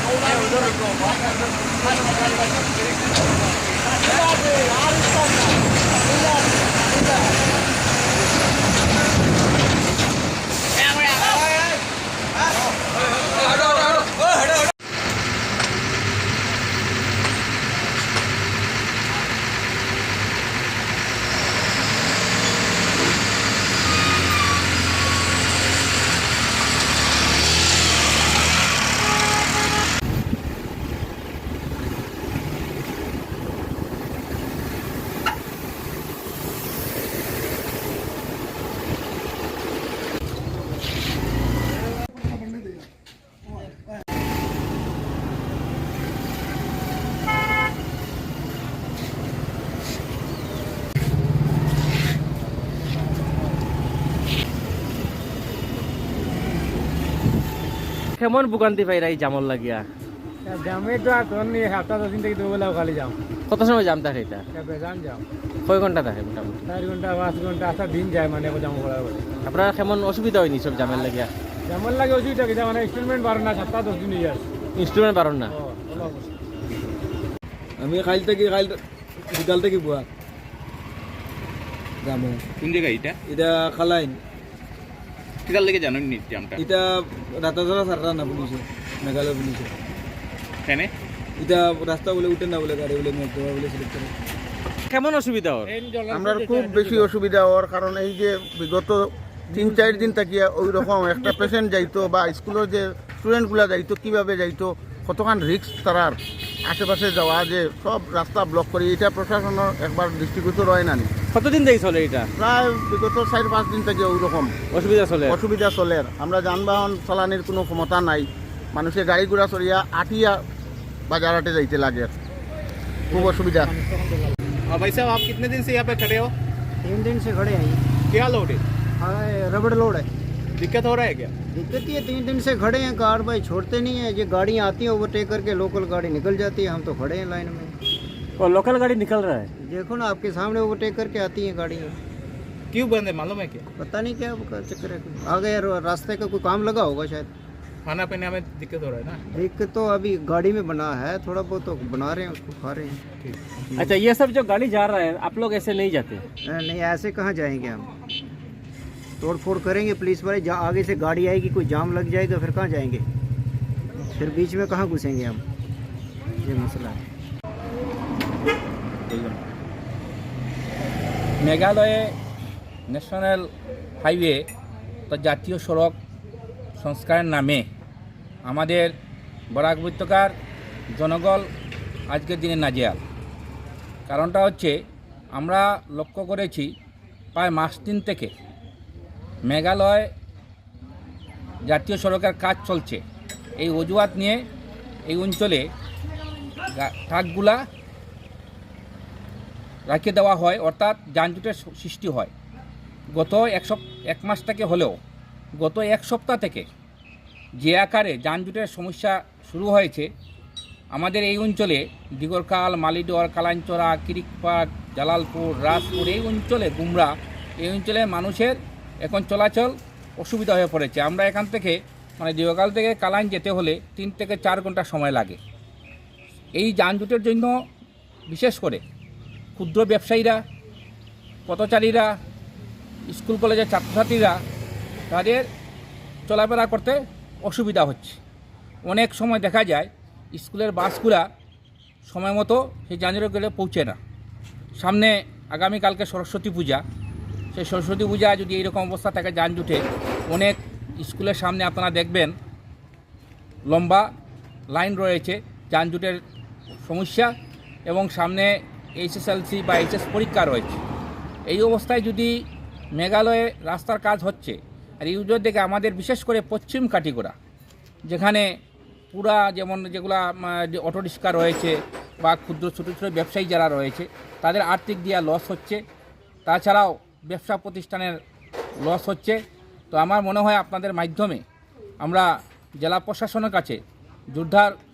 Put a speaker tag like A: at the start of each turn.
A: কেমন ভোগান্তি পাইরা এই জামর লাগিয়া?
B: জামে তো এখন সপ্তাহ 10 দিন থেকে দুবেলা খালি যাও।
A: কত সময় জাম থাকে এটা?
B: বেজান যাও।
A: কয় ঘন্টা থাকে মোটামুটি?
B: 4 ঘন্টা 5 ঘন্টা আসা দিন যায় মানে জাম করার পরে।
A: আপনার কেমন অসুবিধা হয়নি সব জামের লাগিয়া?
B: জামের লাগে অসুবিধা কি মানে ইনস্টলমেন্ট পারেন না, সপ্তাহ 10 দিন যায়।
A: ইনস্ট্রুমেন্ট পারেন না?
C: আমি খাইল থেকে বিকাল থেকে বুয়া জামো।
D: কোন জায়গা এটা?
C: এটা খালাইন।
D: কিতার লেগে জানেন নি জামটা?
C: এটা রাতাধরা সাররা না পুলিশে, মেঘালয় পুলিশে।
D: কেন?
C: এটা রাস্তা বলে উঠে না বলে গাড়ি বলে মেঘ দেওয়া বলে সিলেক্ট করে।
A: কেমন অসুবিধা ওর?
E: আমরা খুব বেশি অসুবিধা হওয়ার কারণ এই যে বিগত 3-4 দিন থাকিয়া ওই রকম একটা পেশেন্ট যাইতো বা স্কুলের যে স্টুডেন্টগুলো যাইতো কিভাবে যাইতো, কতখান রিস্ক তারার আশেপাশে যাওয়া, যে সব রাস্তা ব্লক করে, এটা প্রশাসনের একবার দৃষ্টিগোচর হয় না।
A: কতদিন থেকে চলে এটা?
E: প্রায় বিগত 4-5 দিন থেকে ওই রকম অসুবিধা চলে। আমরা যানবাহন চালানির কোনো ক্ষমতা নাই, মানুষের গাড়ি ঘোড়া চলিয়া আটিয়া বাজারাটে যাইতে লাগে, খুব অসুবিধা।
D: भाई साहब आप कितने दिन से यहाँ पे खड़े हो?
B: 3 दिन से खड़े हैं।
D: क्या लोड है?
B: रबड़ लोड है।
D: दिक्कत हो रहा है क्या?
B: दिक्कत ये 3 दिन से खड़े हैं, कार भाई छोड़ते नहीं है। ये गाड़ियाँ आती हैं ओवरटेक करके, लोकल गाड़ी निकल जाती है, हम तो खड़े हैं लाइन में।
A: और लोकल गाड़ी निकल रहा है?
B: देखो ना आपके सामने ओवरटेक करके आती हैं गाड़ियाँ।
D: क्यों बंद है मालूम है क्या?
B: पता नहीं क्या चक्कर है, आ गए रास्ते का कोई काम लगा होगा शायद।
D: खाना पीने में दिक्कत हो रहा है ना?
B: दिक्कत तो अभी गाड़ी में बना है, थोड़ा बहुत तो बना रहे हैं, उसको खा रहे हैं।
A: अच्छा, ये सब जो गाड़ी जा रहा है आप लोग ऐसे नहीं जाते?
B: नहीं, ऐसे कहाँ जाएंगे हम, तोड़ फोड़ करेंगे पुलिस वाले, आगे से गाड़ी आएगी, कोई जाम लग जाएगा, फिर कहाँ जाएंगे, फिर बीच में कहाँ घुसेंगे हम, ये मसला है।
F: মেঘালয়ে ন্যাশনাল হাইওয়ে তো জাতীয় সড়ক সংস্কারের নামে আমাদের বরাক উপত্যকার জনগণ আজকের দিনে নাজেহাল। কারণটা হচ্ছে আমরা লক্ষ্য করেছি প্রায় মাস 3 থেকে মেঘালয় জাতীয় সড়কের কাজ চলছে, এই অজুহাত নিয়ে এই অঞ্চলে ট্রাকগুলা রাখিয়ে দেওয়া হয়, অর্থাৎ যানজটের সৃষ্টি হয়। গত এক মাস থেকে হলেও গত 1 সপ্তাহ থেকে যে আকারে যানজটের সমস্যা শুরু হয়েছে আমাদের এই অঞ্চলে, দিগরকাল, মালিডর, কালাঞ্চরা, কিরিকপাট, জালালপুর, রাজপুর, এই অঞ্চলে গুমরা, এই অঞ্চলে মানুষের এখন চলাচল অসুবিধা হয়ে পড়েছে। আমরা এখান থেকে মানে দিগরকাল থেকে কালাইন যেতে হলে 3 থেকে 4 ঘন্টা সময় লাগে। এই যানজটের জন্য বিশেষ করে ক্ষুদ্র ব্যবসায়ীরা, পথচারীরা, স্কুল কলেজের ছাত্রছাত্রীরা তাদের চলাফেরা করতে অসুবিধা হচ্ছে। অনেক সময় দেখা যায় স্কুলের বাসগুলা সময় মতো সেই যানজটে গেলে পৌঁছে না। সামনে আগামীকালকে সরস্বতী পূজা, সেই সরস্বতী পূজা যদি এইরকম অবস্থা থাকে যানজটে, অনেক স্কুলের সামনে আপনারা দেখবেন লম্বা লাইন রয়েছে, যানজটের সমস্যা, এবং সামনে HSLC বা HS পরীক্ষা রয়েছে। এই অবস্থায় যদি মেঘালয়ে রাস্তার কাজ হচ্ছে আর এই উজোর দিকে আমাদের বিশেষ করে পশ্চিম কাটিগড়া, যেখানে পুরা যেমন যেগুলা অটো রিক্সা রয়েছে বা ক্ষুদ্র ছোটো ছোটো ব্যবসায়ী যারা রয়েছে তাদের আর্থিক দিয়া লস হচ্ছে, তাছাড়াও ব্যবসা প্রতিষ্ঠানের লস হচ্ছে। তো আমার মনে হয় আপনাদের মাধ্যমে আমরা জেলা প্রশাসনের কাছে জোরদার